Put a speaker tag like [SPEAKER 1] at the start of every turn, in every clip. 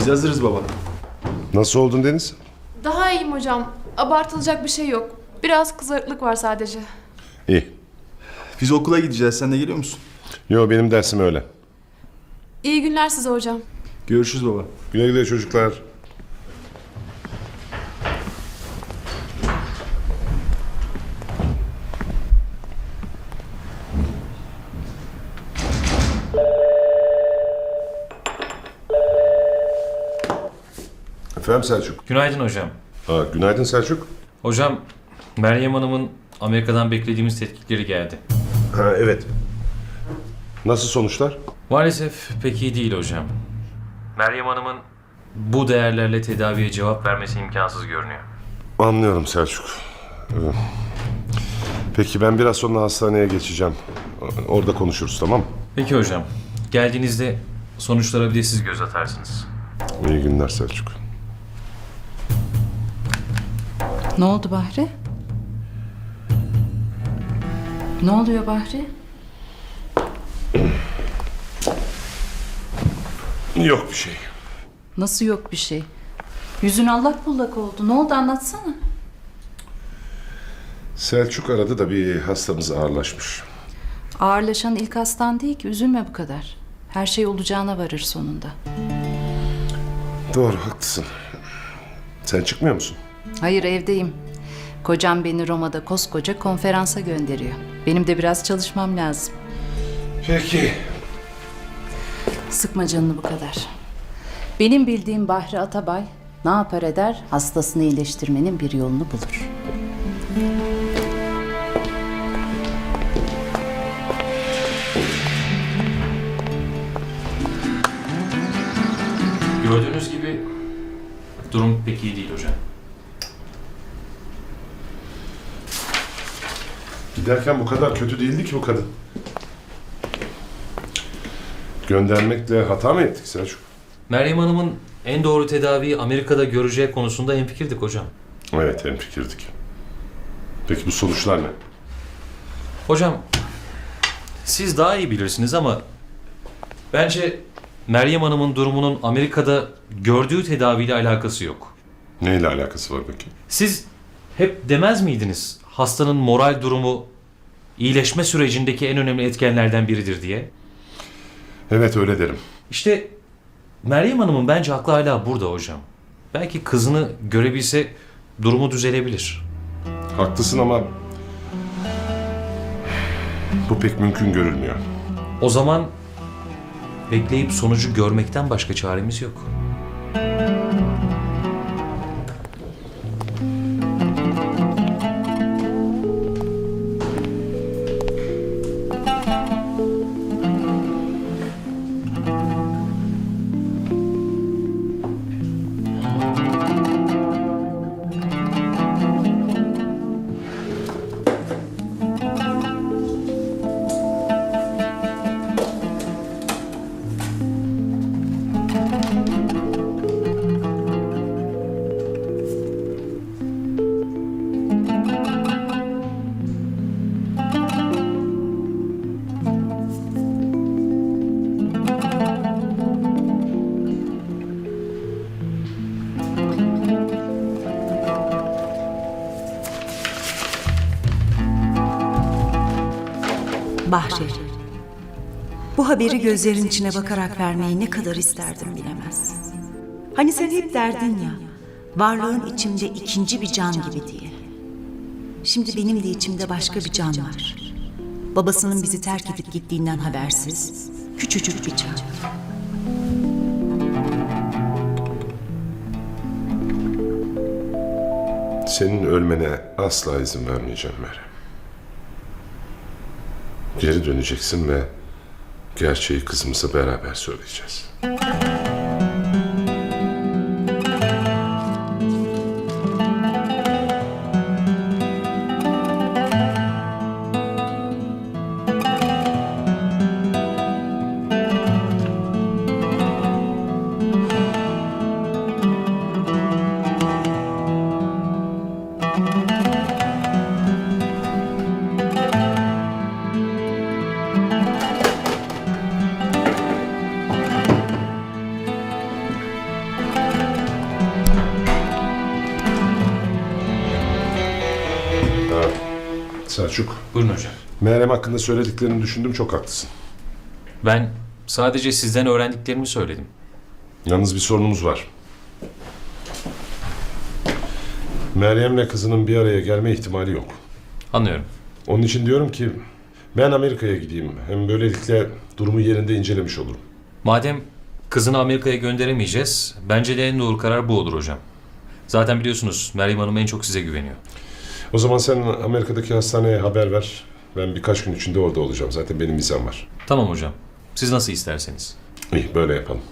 [SPEAKER 1] Biz hazırız baba.
[SPEAKER 2] Nasıl oldun Deniz?
[SPEAKER 3] Daha iyiyim hocam. Abartılacak bir şey yok. Biraz kızarıklık var sadece.
[SPEAKER 2] İyi.
[SPEAKER 1] Biz okula gideceğiz. Sen de geliyor musun?
[SPEAKER 2] Yo, benim dersim öyle.
[SPEAKER 3] İyi günler size hocam.
[SPEAKER 1] Görüşürüz baba.
[SPEAKER 2] Güle güle çocuklar. Efendim Selçuk.
[SPEAKER 4] Günaydın hocam.
[SPEAKER 2] Günaydın Selçuk.
[SPEAKER 4] Hocam, Meryem Hanım'ın Amerika'dan beklediğimiz tetkikleri geldi.
[SPEAKER 2] Evet. Nasıl sonuçlar?
[SPEAKER 4] Maalesef pek iyi değil hocam. Meryem Hanım'ın bu değerlerle tedaviye cevap vermesi imkansız görünüyor.
[SPEAKER 2] Anlıyorum Selçuk. Peki ben biraz sonra hastaneye geçeceğim. Orada konuşuruz, tamam mı?
[SPEAKER 4] Peki hocam, geldiğinizde sonuçlara bir de siz göz atarsınız.
[SPEAKER 2] İyi günler Selçuk.
[SPEAKER 5] Ne oldu Bahri? Ne oluyor Bahri?
[SPEAKER 2] Yok bir şey.
[SPEAKER 5] Nasıl yok bir şey? Yüzün allak bullak oldu. Ne oldu anlatsana.
[SPEAKER 2] Selçuk aradı da bir hastamız ağırlaşmış.
[SPEAKER 5] Ağırlaşan ilk hastan değil ki. Üzülme bu kadar. Her şey olacağına varır sonunda.
[SPEAKER 2] Doğru, haklısın. Sen çıkmıyor musun?
[SPEAKER 5] Hayır, evdeyim. Kocam beni Roma'da koskoca konferansa gönderiyor. Benim de biraz çalışmam lazım.
[SPEAKER 2] Peki.
[SPEAKER 5] Sıkma canını bu kadar. Benim bildiğim Bahri Atabay ne yapar eder, hastasını iyileştirmenin bir yolunu bulur.
[SPEAKER 4] Gördüğünüz gibi durum pek iyi değil hocam.
[SPEAKER 2] Giderken bu kadar kötü değildi ki bu kadın. Göndermekle hata mı ettik Selçuk?
[SPEAKER 4] Meryem Hanım'ın en doğru tedaviyi Amerika'da göreceği konusunda hemfikirdik hocam.
[SPEAKER 2] Evet, hemfikirdik. Peki bu sonuçlar ne?
[SPEAKER 4] Hocam, siz daha iyi bilirsiniz ama bence Meryem Hanım'ın durumunun Amerika'da gördüğü tedaviyle alakası yok.
[SPEAKER 2] Neyle alakası var peki?
[SPEAKER 4] Siz hep demez miydiniz hastanın moral durumu iyileşme sürecindeki en önemli etkenlerden biridir diye?
[SPEAKER 2] Evet, öyle derim.
[SPEAKER 4] İşte Meryem Hanım'ın bence aklı hala burada hocam. Belki kızını görebilse durumu düzelebilir.
[SPEAKER 2] Haklısın ama bu pek mümkün görülmüyor.
[SPEAKER 4] O zaman bekleyip sonucu görmekten başka çaremiz yok.
[SPEAKER 6] Bahri, bu haberi gözlerin içine bakarak vermeyi ne kadar isterdim bilemezsin. Hani sen hep derdin ya, varlığın içimde ikinci bir can gibi diye. Şimdi benim de içimde başka bir can var. Babasının bizi terk edip gittiğinden habersiz, küçücük bir can.
[SPEAKER 2] Senin ölmene asla izin vermeyeceğim Meryem. Geri döneceksin ve gerçeği kızımıza beraber söyleyeceğiz. Selçuk,
[SPEAKER 4] Buyurun hocam.
[SPEAKER 2] Meryem hakkında söylediklerini düşündüm, çok haklısın.
[SPEAKER 4] Ben sadece sizden öğrendiklerimi söyledim.
[SPEAKER 2] Yalnız bir sorunumuz var. Meryem'le kızının bir araya gelme ihtimali yok.
[SPEAKER 4] Anlıyorum.
[SPEAKER 2] Onun için diyorum ki ben Amerika'ya gideyim. Hem böylelikle durumu yerinde incelemiş olurum.
[SPEAKER 4] Madem kızını Amerika'ya gönderemeyeceğiz, bence de en doğru karar bu olur hocam. Zaten biliyorsunuz Meryem Hanım en çok size güveniyor.
[SPEAKER 2] O zaman sen Amerika'daki hastaneye haber ver. Ben birkaç gün içinde orada olacağım. Zaten benim vizem var.
[SPEAKER 4] Tamam hocam. Siz nasıl isterseniz.
[SPEAKER 2] İyi, böyle yapalım.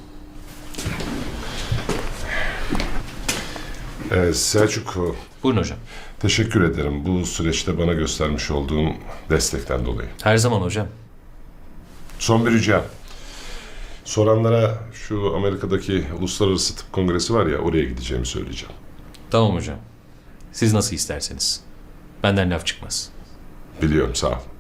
[SPEAKER 2] Selçuk,
[SPEAKER 4] Buyurun hocam.
[SPEAKER 2] teşekkür ederim bu süreçte bana göstermiş olduğun destekten dolayı.
[SPEAKER 4] Her zaman hocam.
[SPEAKER 2] Son bir ricam. Soranlara şu Amerika'daki Uluslararası Tıp Kongresi var ya, oraya gideceğimi söyleyeceğim.
[SPEAKER 4] Tamam hocam. Siz nasıl isterseniz. Benden laf çıkmaz.
[SPEAKER 2] Biliyorum, sağ ol.